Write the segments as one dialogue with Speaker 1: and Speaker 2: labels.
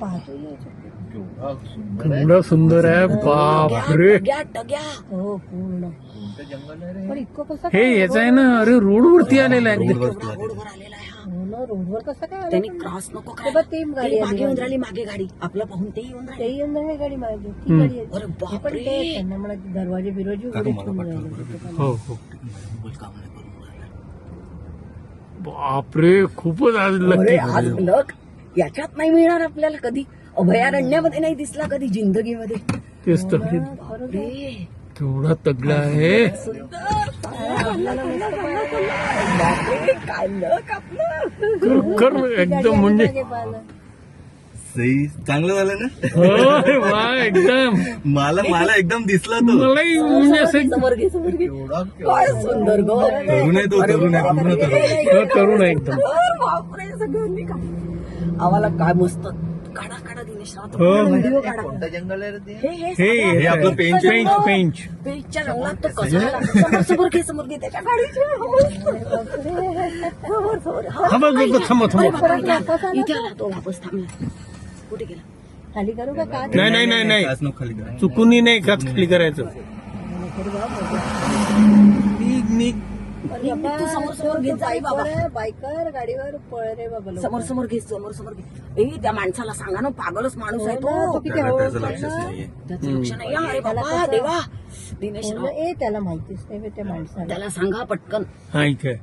Speaker 1: पाहतो
Speaker 2: केवढा सुंदर आहे. बापरे,
Speaker 1: हो पूर्ण. पण इतकं कसं
Speaker 2: हे याच आहे ना. अरे रोडवरती आलेला आहे एकदम.
Speaker 1: रोडवर कसं काय
Speaker 3: त्यांनी क्रॉस नको
Speaker 1: ते बघ, ती गाडी आली
Speaker 3: येऊन राहिली मागे गाडी आपलं पाहून ते येऊन राहिले.
Speaker 1: तेही येऊन राहिली गाडी मागे, ती गाडी आहे.
Speaker 3: अरे
Speaker 1: हे पण
Speaker 3: बापरे.
Speaker 1: ते त्यांना म्हणा दरवाजे बिरवाजे उघडे ठेवून राहिले.
Speaker 2: हो हो. बापरे, खूपच आज
Speaker 3: अरे
Speaker 2: लकी.
Speaker 3: आज लक याच्यात नाही मिळणार आपल्याला कधी. अभयारण्यामध्ये नाही दिसला कधी जिंदगीमध्ये.
Speaker 2: तेच तर.
Speaker 3: बापरे.
Speaker 2: केवढा तगडा आहे.
Speaker 3: बापरे, काय लक आपलं.
Speaker 2: कर एकदम म्हणजे
Speaker 4: सही चांगलं झालं ना.
Speaker 2: होय, वा एकदम.
Speaker 4: मला एकदम दिसला तो.
Speaker 2: मलाही म्हणजे असं
Speaker 3: समोर घे समोर घे. काय सुंदर गो.
Speaker 4: तरुण आहे तो, तरुण आहे, पूर्ण तरुण आहे.
Speaker 2: तरुण आहे एकदम.
Speaker 3: बापरे, सगळ्यांनी का आम्हाला काय मस्त काढा काढा दिनेशराव.
Speaker 2: हो.
Speaker 3: व्हिडिओ काढा.
Speaker 4: जंगल आहे रे.
Speaker 2: हे
Speaker 4: आपलं पेंच आहे.
Speaker 2: पेंच.
Speaker 3: पेजच्या रंगात तो कसा आला. समोर घे समोर घे त्याच्या गाडीचे. समोर समोर.
Speaker 2: हा बघ बघ, थांबा
Speaker 3: अरे
Speaker 2: थांबा.
Speaker 3: बापरे, इथे आला तो वापस थांबला. कुठे गेला.
Speaker 1: खाली करू का काय?
Speaker 2: नाही नाही नाही नाही,
Speaker 4: काच नको खाली करा.
Speaker 2: चुकूनही नाही काच खाली करायचं. निघ.
Speaker 3: तू समोर समोर घेत जा. आई बाबा
Speaker 1: बायकर गाडीवर पळ रे बाबा लोक.
Speaker 3: समोर समोर घे समोर समोर घे. ए त्या माणसाला सांगा ना, पागलच माणूस आहे
Speaker 1: तो
Speaker 3: तो.
Speaker 1: किती
Speaker 4: त्याला
Speaker 1: हळू
Speaker 4: त्याचं
Speaker 1: बोलतो
Speaker 4: लक्षच
Speaker 1: ना.
Speaker 4: नाहीये.
Speaker 3: त्याचं लक्ष नाही. अरे बाबा देवा दिनेशराव
Speaker 1: ए त्याला माहितीच नाही बे त्या माणसाला.
Speaker 3: त्याला सांगा पटकन.
Speaker 2: हा इथे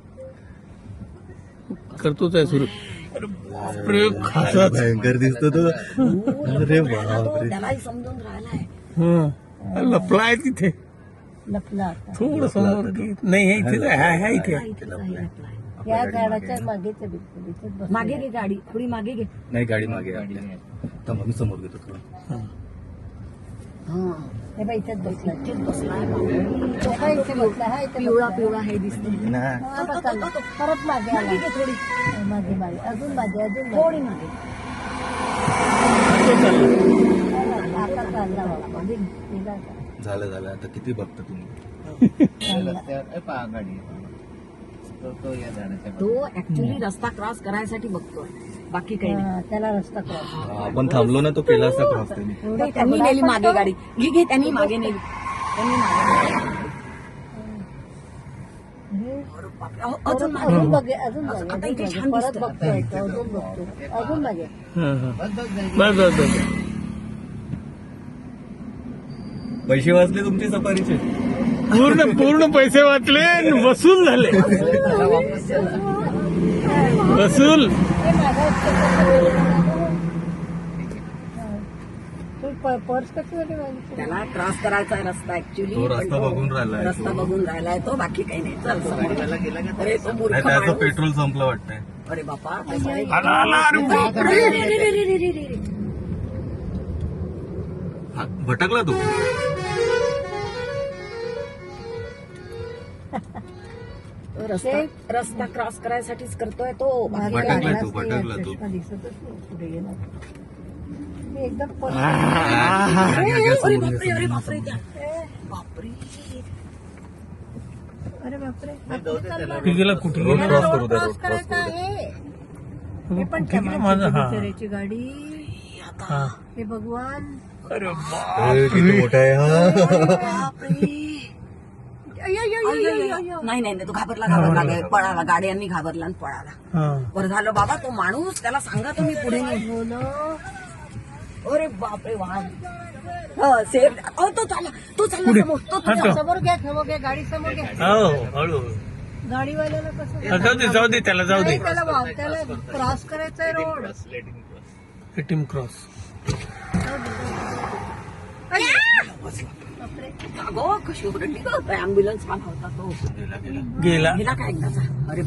Speaker 2: करतोच आहे सुरू. अरे बापरे, खासाच.
Speaker 4: भयंकर दिसतो तो. अरे बापरे.
Speaker 3: त्यालाही समजून राहिलाय.
Speaker 2: हा, लपलाय तिथे.
Speaker 1: लपला आता.
Speaker 2: थोडं समोर घे. नाही हे इथेच आहे. हा इथे आहे.
Speaker 3: इथेच आहे आपला.
Speaker 1: या झाडाच्या मागेच आहे बिलकुल. इथेच बसलेला
Speaker 3: मागे
Speaker 1: आहे.
Speaker 3: घे गाडी थोडी मागे घे.
Speaker 4: नाही गाडी मागे आहे आपल्या. थांबा, मी समोर घेतो थोडं.
Speaker 3: हा
Speaker 1: हे बाई इथेच बसला.
Speaker 3: इथेच बसलाय.
Speaker 1: हा इथे बसला. हा इथे
Speaker 3: पिवळा
Speaker 1: बसला.
Speaker 3: पिवळा हे दिसतो.
Speaker 4: ना.
Speaker 1: हा, आता चालला. परत मागे आला.
Speaker 3: मागे घे थोडी
Speaker 1: मागे मागे अजून मागे अजून
Speaker 3: थोडी
Speaker 1: मागे.
Speaker 3: मागे.
Speaker 1: आता चालला बाबा. निघा आता.
Speaker 4: झालं आता किती बघता तुम्ही.
Speaker 3: तो ऍक्च्युली रस्ता क्रॉस करायसाठी बघतोय, बाकी काही नाही.
Speaker 1: हा, त्याला रस्ता क्रॉस.
Speaker 4: आपण थांबलो ना, तो केला असता क्रॉस त्यांनी.
Speaker 3: नाही, त्यांनी नेली मागे गाडी. घे त्यांनी मागे नेली. त्यांनी मागे नेली. अरे बापरे, अजून मागे.
Speaker 1: अजून बघे अजून
Speaker 3: आता
Speaker 1: मागे
Speaker 3: इथे
Speaker 1: अजून
Speaker 3: छान
Speaker 1: मागे. परत
Speaker 3: दिसतं.
Speaker 1: बघतोय तो, अजून बघतो अजून मागे.
Speaker 2: हा, हा. बस बस बस.
Speaker 4: पैसे वाचले तुमचे सफारीचे.
Speaker 2: पूर्ण पैसे वाचले आणि वसूल झाले. वसूल.
Speaker 1: हे मागं तू पर्स कशी वाली मागितली?
Speaker 3: त्याला क्रॉस करायचा आहे रस्ता ऍक्च्युली.
Speaker 4: तो रस्ता बघून राहिलाय.
Speaker 3: रस्ता बघून राहिलाय तो, बाकी काही नाही. चल समोर. अरे तो मूर्ख
Speaker 4: नाही, त्याचं
Speaker 3: माणूस.
Speaker 4: पेट्रोल संपलं वाटतंय.
Speaker 3: अरे बापा
Speaker 2: आला आला. अरे बापरे.
Speaker 4: हा, भटकला तू.
Speaker 3: रस्ता क्रॉस करायसाठीच करतोय तो. बाकी
Speaker 1: मागे
Speaker 3: काही नाही.
Speaker 4: भटकला तू,
Speaker 1: आलाच नाही,
Speaker 4: भटकला तू.
Speaker 1: चष्मा दिसतच नाही पुढे गेला. मी एकदम
Speaker 3: अरे बापरे अरे बापरे त्या. बापरे
Speaker 1: अरे बापरे.
Speaker 2: कुठे गेला कुठे
Speaker 4: रोड
Speaker 2: गेला?
Speaker 4: क्रॉस करू द्या,
Speaker 1: क्रॉस
Speaker 4: रोड क्रॉस
Speaker 1: करायचा
Speaker 4: करू द्या.
Speaker 1: आहे. हे पण त्या
Speaker 2: कुठे गेला माझा?
Speaker 1: माणसाची
Speaker 2: हा.
Speaker 1: बिचाऱ्याची गाडी.
Speaker 2: हा.
Speaker 1: हे भगवान.
Speaker 2: अरे
Speaker 4: अरे, किती मोठा आहे हा.
Speaker 3: नाही नाही तो घाबरला पळाला. गाड्यांनी घाबरला आणि पळाला.
Speaker 2: हा.
Speaker 3: बरं झालं बाबा तो माणूस, त्याला सांगा तुम्ही पुढे नाही.
Speaker 1: हो ना.
Speaker 3: अरे बापरे वाहन सेफ. तो चालला
Speaker 2: पुढे.
Speaker 3: समोर. तो
Speaker 2: हा, तो.
Speaker 1: समोर घ्या गाडी समोर घ्या.
Speaker 2: हो हळू.
Speaker 1: गाडीवाल्याला कसं
Speaker 2: जाऊ दे त्याला जाऊ दे.
Speaker 1: नाही, त्याला क्रॉस करायचंय रोड.
Speaker 2: Team cross.
Speaker 3: अगो कशी ओरडली गं. ऍम्ब्युलन्स आला होता तो.
Speaker 2: गेला
Speaker 3: गेला का एकदाचा. अरे